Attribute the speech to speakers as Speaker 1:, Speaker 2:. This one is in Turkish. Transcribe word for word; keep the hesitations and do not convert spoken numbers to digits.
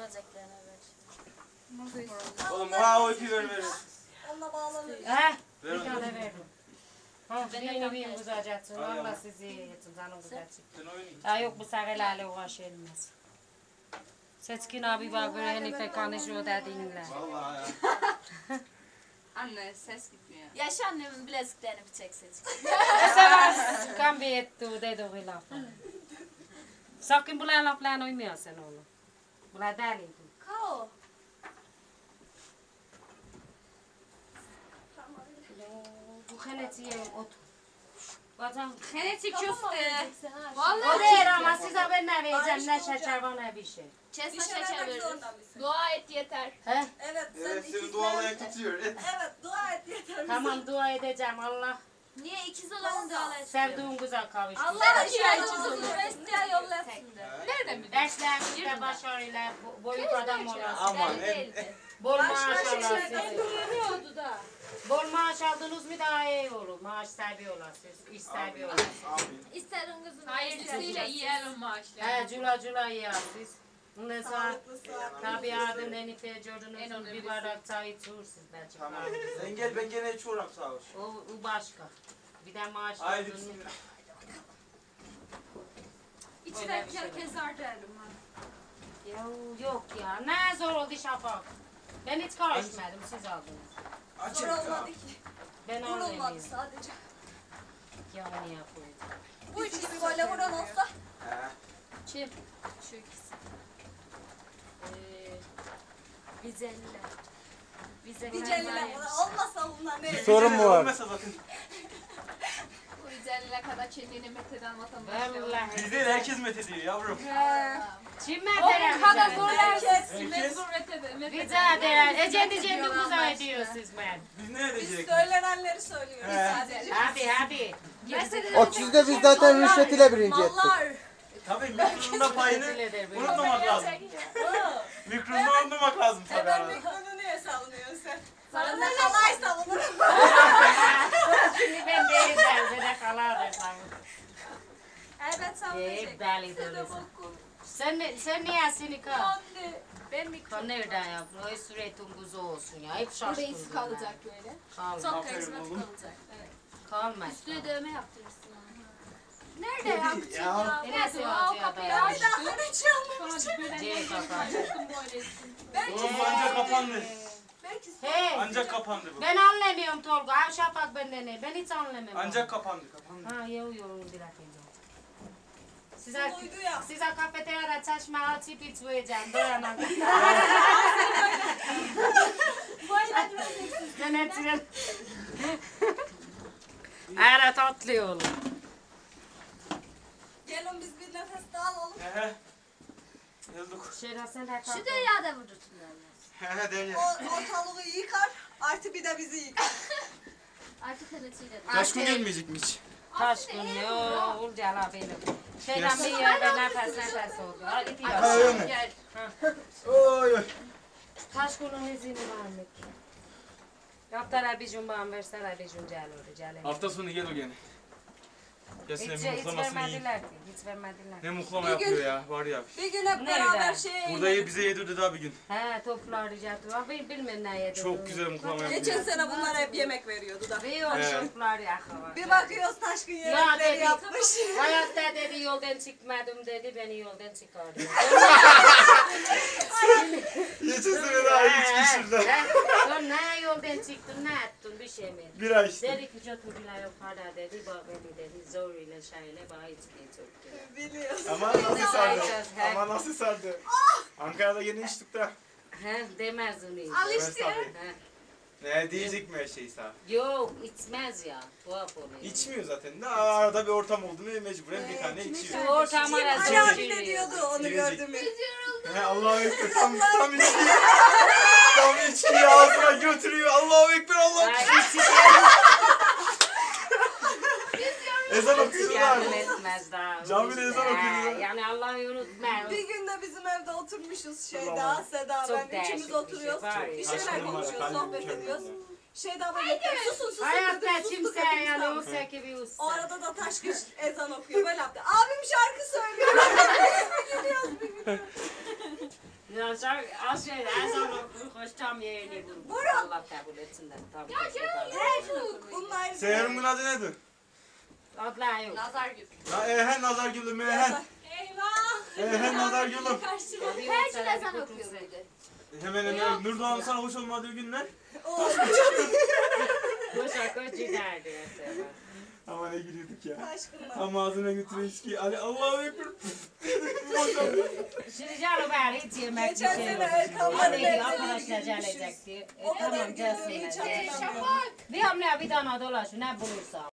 Speaker 1: böceklerine ver.
Speaker 2: Oğlum ha o ipi ver ver.
Speaker 3: Onunla bağlanır.
Speaker 4: He?
Speaker 2: Ver
Speaker 4: Bir
Speaker 2: onu.
Speaker 4: tane verdim. Ha,
Speaker 1: Ben de
Speaker 4: birini
Speaker 1: tam
Speaker 4: bir
Speaker 1: tersi.
Speaker 4: güzelcetsin.
Speaker 2: Ay,
Speaker 4: Allah
Speaker 2: ama.
Speaker 4: sizi yetin canım güzelcik.
Speaker 2: Sen oynayın.
Speaker 4: Ya yok bu seferlerle uğraşılmaz. Seçkin abi bak böyle Hanife konuşuyor dediğinle.
Speaker 2: Vallahi ya.
Speaker 5: Anne ses gitmiyor.
Speaker 1: Yaş annemin bileziklerini bir çek seç.
Speaker 4: O sefer kan bir etti o dedi o lafı. Sakın bunlar laflarına uymuyorsun oğlum. Bunlar deliydi.
Speaker 1: Kao.
Speaker 4: Bu henetiye otur. Vatan.
Speaker 5: Genetik köfte.
Speaker 4: O
Speaker 5: Vallahi
Speaker 4: değil ama size ben ne vereceğim ne şeker var ne bir şey.
Speaker 1: Kesme
Speaker 3: Bir şey
Speaker 1: şeker
Speaker 3: vermek
Speaker 1: veririz.
Speaker 3: zorunda mısın?
Speaker 5: dua et yeter.
Speaker 4: He?
Speaker 3: Evet sen
Speaker 2: Evet seni
Speaker 3: ikizler-
Speaker 2: dualayak tutuyor. Et.
Speaker 3: Evet dua et yeter.
Speaker 4: Tamam dua edeceğim Allah.
Speaker 1: Niye ikiz olanın dualar
Speaker 4: Sevdiğin güzel kavuştur.
Speaker 1: Allah ihtiyacımızı Üniversiteye yollasın.
Speaker 5: Nereden biliyorsun?
Speaker 4: Derslerinizde başarıyla bo- boyut adam olasın.
Speaker 2: Aman en.
Speaker 4: Bol maaş
Speaker 3: Başka
Speaker 4: alasın.
Speaker 3: şeyler
Speaker 5: Görüyordu da.
Speaker 4: Bol maaş aldınız mı daha iyi olur. Maaş sahibi olasınız. İş sahibi olasınız.
Speaker 2: Amin.
Speaker 1: İsterin kızım.
Speaker 5: Hayırlısıyla yiyelim maaşları.
Speaker 4: He cula cula yiyorsunuz. Ondan sonra
Speaker 3: Sağlıklı sağlıklı.
Speaker 4: tabii adın Enife gördünüz bir bardak çay içiyorsunuz.
Speaker 2: Tamam. Sen gel ben gene hiç uğram sağ ol.
Speaker 4: O, o başka. Bir de maaş
Speaker 2: Haydi
Speaker 4: aldınız.
Speaker 2: bismillah.
Speaker 5: İçine bir kere kezar derim ha.
Speaker 4: Ya, yok ya ne zor oldu Şafak. Ben hiç karışmadım siz aldınız.
Speaker 2: Açın.
Speaker 3: Zor olmadı ki.
Speaker 4: Ben
Speaker 3: Vurulmadı
Speaker 4: anlamıyorum.
Speaker 3: sadece.
Speaker 4: Ya niye koydum?
Speaker 3: Bu üç gibi böyle vuran olsa.
Speaker 2: He.
Speaker 1: Kim? Şu ikisi. Ee, Vizeliler. Vizeliler.
Speaker 3: Diceliler olmasa bunlar ne?
Speaker 6: Sorun mu var?
Speaker 2: Olmasa bakın.
Speaker 5: Bu güzelliğe kadar çenliğini metheden vatandaşlar.
Speaker 4: Vallahi.
Speaker 2: Bizde de herkes met ediyor yavrum.
Speaker 4: Kim
Speaker 5: O kadar
Speaker 4: mesela?
Speaker 5: zorlarsın.
Speaker 2: Herkes.
Speaker 5: Mecbur metheden.
Speaker 4: Rica ederim. Ecendi cendi güzel ediyorsunuz ben.
Speaker 2: Biz ne
Speaker 3: Biz
Speaker 2: edecek?
Speaker 3: söylenenleri söylüyoruz
Speaker 2: He.
Speaker 3: sadece.
Speaker 4: Hadi hadi.
Speaker 6: O sizde biz zaten rüşvet ile birinci ettik.
Speaker 3: Mallar.
Speaker 2: Tabii mikronunda payını
Speaker 4: Teşekkür ederim.
Speaker 2: unutmamak lazım. Mikronunu unutmamak lazım tabii.
Speaker 3: Hemen
Speaker 2: arada.
Speaker 3: mikronu niye savunuyorsun sen? Sana ne kalay savunurum.
Speaker 4: Şimdi ben değildim. Ben de kalardım.
Speaker 3: Evet savunacak.
Speaker 4: Hep deli dolusun. Sen, ne- sen niye seni kal?
Speaker 5: Anne. Ben mi
Speaker 4: Kan nereden yaptın? O süretin kuzu olsun ya. Hep şaşkın.
Speaker 5: Burası kalacak böyle.
Speaker 4: Kalma.
Speaker 1: Çok
Speaker 2: Aferin
Speaker 1: karizmatik
Speaker 2: oğlum.
Speaker 1: olacak.
Speaker 4: Kalma.
Speaker 1: Üstüne dövme yaptırırsın ona.
Speaker 5: Nerede yaptın
Speaker 2: Ya.
Speaker 5: ya?
Speaker 4: Neresi
Speaker 5: Nerede
Speaker 4: var
Speaker 5: o
Speaker 4: ya
Speaker 5: kapıyı
Speaker 4: da?
Speaker 5: açtın?
Speaker 3: Daha hiç yanmamış.
Speaker 5: Sonra böyle
Speaker 4: C kapağı.
Speaker 5: açtım böyle.
Speaker 3: Belki
Speaker 2: Ancak kapandı.
Speaker 3: belki
Speaker 4: Hey.
Speaker 2: Ancak kapandı bu.
Speaker 4: Ben anlamıyorum Tolga. Ay Şafak benden ne? Ben hiç anlamıyorum.
Speaker 2: Ancak kapandı kapandı.
Speaker 4: Ha yok yok bir dakika. Size,
Speaker 3: Duydu ya.
Speaker 4: size kafeteryada çeşme açıp içmeyeceğim. Dayanam. Yönetirim. Evet tatlı oğlum.
Speaker 3: gelin biz bir nefes daha alalım.
Speaker 2: Hehe. Yazdık.
Speaker 4: Şerha sen de
Speaker 1: Şu dünyada vurdursunlar.
Speaker 2: Hehe değil
Speaker 3: O ortalığı yıkar. Artı bir de bizi yıkar.
Speaker 1: Artık henetiyle.
Speaker 2: Taşkın gelmeyecek mi hiç?
Speaker 4: Taşkın yok. Ulcala benim. Şeyden bir yerde nefes nefes oldu. Hadi
Speaker 2: Ha,
Speaker 4: diyor.
Speaker 2: öyle mi?
Speaker 5: Gel.
Speaker 2: Oy oy.
Speaker 4: Taşkın'ın izini varmış. Yaptılar bir gün bana verseler bir gün gel oraya gel.
Speaker 2: Hafta sonu gel o gene. Gelsin
Speaker 4: Hiç,
Speaker 2: bir
Speaker 4: hiç
Speaker 2: muhlamasını yiyin.
Speaker 4: vermediler ki. Hiç vermediler.
Speaker 2: Ne muhlama
Speaker 3: Bir gün-
Speaker 2: yapıyor ya var ya.
Speaker 3: Bir gün hep
Speaker 4: Nerede?
Speaker 3: beraber şeye
Speaker 2: Burada
Speaker 3: inelim.
Speaker 2: bize yedirdi daha bir gün.
Speaker 4: He toplar rica ediyor. Bil, bilmem ne yedi.
Speaker 2: Çok güzel muhlama
Speaker 3: Geçen
Speaker 2: yapıyor.
Speaker 3: sene bunlar hep yemek veriyordu da.
Speaker 4: Bir o
Speaker 2: Evet.
Speaker 4: toplar yakava.
Speaker 3: Bir bakıyoruz Taşkın
Speaker 4: Ya
Speaker 3: yemekleri
Speaker 4: dedi.
Speaker 3: yapmış.
Speaker 4: Hayatta dedi yoldan çıkmadım dedi beni yoldan çıkardı.
Speaker 2: Geçen sene daha üç kişiler.
Speaker 4: Sen ne yoldan çıktın ne ettin bir şey mi?
Speaker 2: Bir ay işte.
Speaker 4: Dedi ki götürdüler o para dedi bak beni dedi zor ile şeyle bana içmeyi çok
Speaker 3: Biliyorsun.
Speaker 2: Ama nasıl sardı?
Speaker 4: He.
Speaker 2: Ama nasıl sardı? Ankara'da yeni içtik de.
Speaker 4: He demez onu.
Speaker 3: Al işte.
Speaker 4: He.
Speaker 2: Ne diyecek mi her şey sağ?
Speaker 4: Yok içmez ya tuhaf oluyor.
Speaker 2: İçmiyor zaten. Ne arada bir ortam oldu mu mecburen bir tane
Speaker 4: Şu
Speaker 2: içiyor.
Speaker 4: ortam
Speaker 3: Ali
Speaker 4: arası
Speaker 3: abi de diyordu onu
Speaker 2: Girecek.
Speaker 3: gördüm.
Speaker 2: He Allahu Ekber tam tam içki. Tam içkiyi ağzına götürüyor. Allahu Ekber Allahu
Speaker 4: Ay
Speaker 2: Ekber.
Speaker 4: içi
Speaker 2: Ezan okuyor
Speaker 4: yardım
Speaker 2: abi.
Speaker 4: etmez daha.
Speaker 2: Camide ezan okuyor.
Speaker 4: Yani Allah'ı unutma.
Speaker 3: Bir gün de bizim evde oturmuşuz Şeyda,
Speaker 2: Tamam.
Speaker 3: Seda,
Speaker 4: Çok
Speaker 3: ben
Speaker 4: değişik
Speaker 3: üçümüz
Speaker 4: bir şey
Speaker 3: oturuyoruz.
Speaker 4: var ya.
Speaker 3: Bir şeyler
Speaker 2: Aşkım var,
Speaker 3: konuşuyoruz,
Speaker 2: kalbim
Speaker 3: sohbet
Speaker 2: mükemmel
Speaker 3: ediyoruz.
Speaker 2: ya.
Speaker 3: Şeyda böyle susun susun dedi,
Speaker 4: Hayatta
Speaker 3: sustuk
Speaker 4: kimse
Speaker 3: hepimiz
Speaker 4: yani
Speaker 3: kaldık.
Speaker 4: o sekibi
Speaker 3: O
Speaker 4: usta.
Speaker 3: arada da Taşkın ezan okuyor böyle yaptı. Abim şarkı söylüyor. Biz mi gidiyoruz bir gün?
Speaker 4: Ya sen az şey ezan okur, hoş tam yeğeni vurur. Allah kabul etsin de. Tabii.
Speaker 3: Bunlar
Speaker 2: Seher'in adı nedir?
Speaker 4: Adlar yok.
Speaker 1: Nazar gibi.
Speaker 2: La ehen nazar gülüm ehen.
Speaker 3: Eyvah.
Speaker 2: Ehen nazar gülüm.
Speaker 1: Her gün ezan okuyor böyle.
Speaker 2: Hemen hemen Nurdoğan'ın sana hoş olmadığı günler.
Speaker 4: Boşa koç giderdi mesela.
Speaker 2: Ama ne gülüyorduk ya.
Speaker 3: Aşkına.
Speaker 2: Ama ağzına götürüyor içkiyi. Ali Allah'u ekber. Boşandı.
Speaker 4: Şimdi canım ben hiç yemek bir
Speaker 3: Geçen
Speaker 4: şey
Speaker 3: sene
Speaker 4: yok.
Speaker 3: Erkan'la
Speaker 4: Hadi
Speaker 3: birlikte
Speaker 4: arkadaşlar
Speaker 3: gitmişiz.
Speaker 4: gelecekti. E,
Speaker 3: O kadar
Speaker 4: tamam
Speaker 3: günleri hiç
Speaker 4: gelsinler.
Speaker 3: hatırlamıyorum.
Speaker 5: Şafak.
Speaker 4: Bir hamle bir tane dolaş ne bulursa.